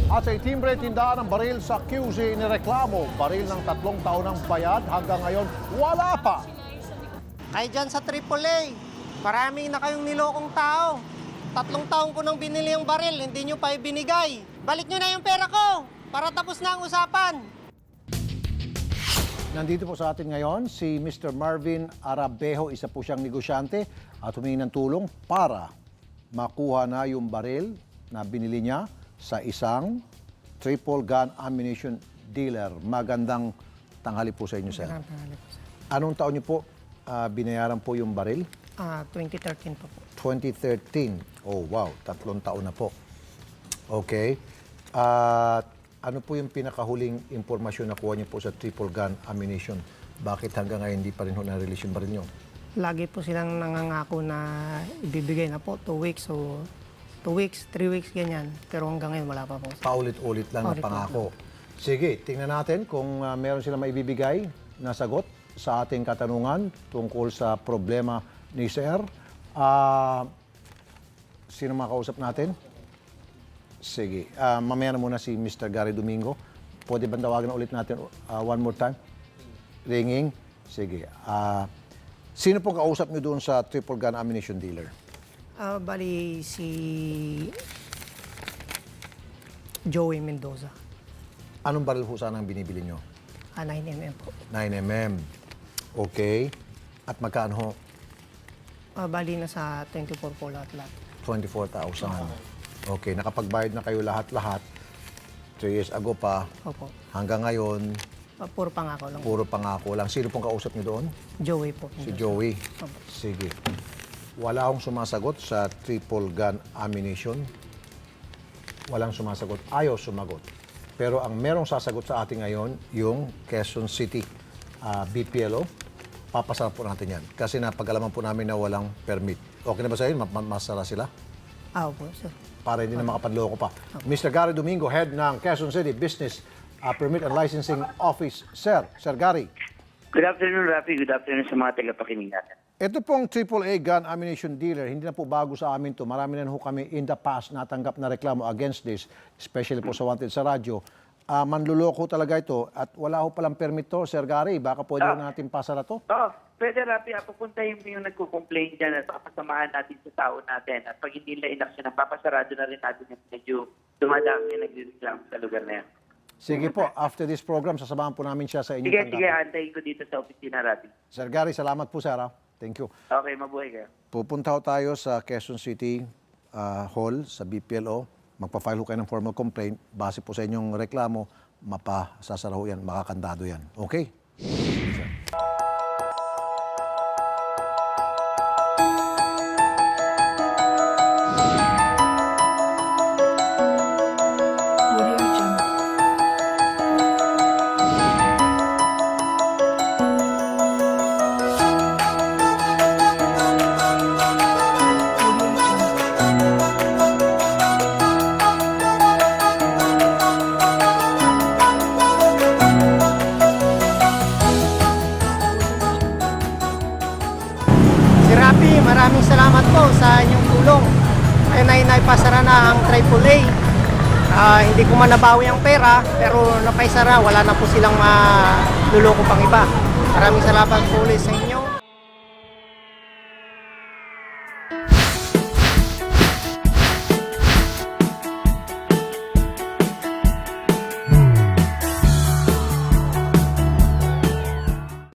At sa itimbre tindaan ng baril sa QC nireklamo, baril ng 3 taon ng bayad hanggang ngayon wala pa. Ay dyan sa AAA, marami na kayong nilokong tao. 3 taon ko nang binili yung baril, hindi nyo pa ibinigay. Balik nyo na yung pera ko para tapos na ang usapan. Nandito po sa atin ngayon si Mr. Marvin Arabejo, isa po siyang negosyante at humingi ng tulong para makuha na yung baril na binili niya sa isang triple gun ammunition dealer. Magandang tanghali po sa inyo, sir. Anong taon niyo po binayaran po yung baril? 2013 po. 2013. Oh, wow. 3 taon na po. Okay. At ano po yung pinakahuling impormasyon na kuha niyo po sa triple gun ammunition? Bakit hanggang ngayon hindi pa rin na-release yung baril niyo? Lagi po silang nangangako na ibibigay na po 2 weeks o 2 weeks, 3 weeks, ganyan. Pero hanggang ngayon wala pa po. Paulit-ulit lang na pangako. Sige, tingnan natin kung meron silang maibibigay na sagot sa ating katanungan tungkol sa problema ni Sir. Sino makausap natin? Sige, mamaya na muna si Mr. Gary Domingo. Pwede ba tawagan ulit natin one more time? Ringing? Sige. Sino pong kausap niyo doon sa triple gun ammunition dealer? Bali si Joey Mendoza. Anong baril po sana ang binibili niyo? 9mm po. 9mm. Okay. At magkano ho? Bali na sa 24 po lahat-lahat. 24,000. Okay. Nakapagbayad na kayo lahat-lahat. 3 years ago pa. Opo. Hanggang ngayon, Puro pangako lang. puro pangako lang. Sino pong kausap niyo doon? Joey po. Si Joey. Opo. Sige. Wala akong sumasagot sa triple gun ammunition. Walang sumasagot. Ayaw sumagot. Pero ang merong sasagot sa atin ngayon, yung Quezon City BPLO, papasara po natin yan. Kasi napag-alaman po namin na walang permit. Okay na ba sa inyo? Masara sila? Opo, sir. Para hindi na makapadloko pa. Mr. Gary Domingo, head ng Quezon City Business Permit and Licensing Office. Sir Gary. Good afternoon, Rafi. Good afternoon sa mga tagapakinig natin. Ito pong AAA gun ammunition dealer, hindi na po bago sa amin to. Marami na ho kami in the past natanggap na reklamo against this, especially po sa Wanted sa radyo. Manluloko talaga ito at wala ho palang permit to, Sir Gary. Baka pwede ho natin pasara to? Oo, pwede, Rafi. Pupuntahin mo yung nagko-complain dyan at papasamahan natin sa tao natin. At pag hindi nila inaksyon, papasarado na rin natin yung medyo dumadami yung nagre-reklamo sa lugar na yan. Sige po, after this program, sasamahan po namin siya sa inyong Sige, tanggapan. antayin ko dito sa opisina, Rafi. Sir Gary, salamat po, sir. Thank you. Okay, mabuhay kayo. Pupunta ho tayo sa Quezon City Hall, sa BPLO. Magpa-file ho kayo ng formal complaint. Base po sa inyong reklamo, mapasasara ho yan, makakandado yan. Okay? Maraming salamat po sa inyong tulong. Ayun ay naipasara na ang AAA. Hindi ko man nabawi ang pera, pero napaisara, wala na po silang maluloko pang iba. Maraming salamat po ulit sa inyo.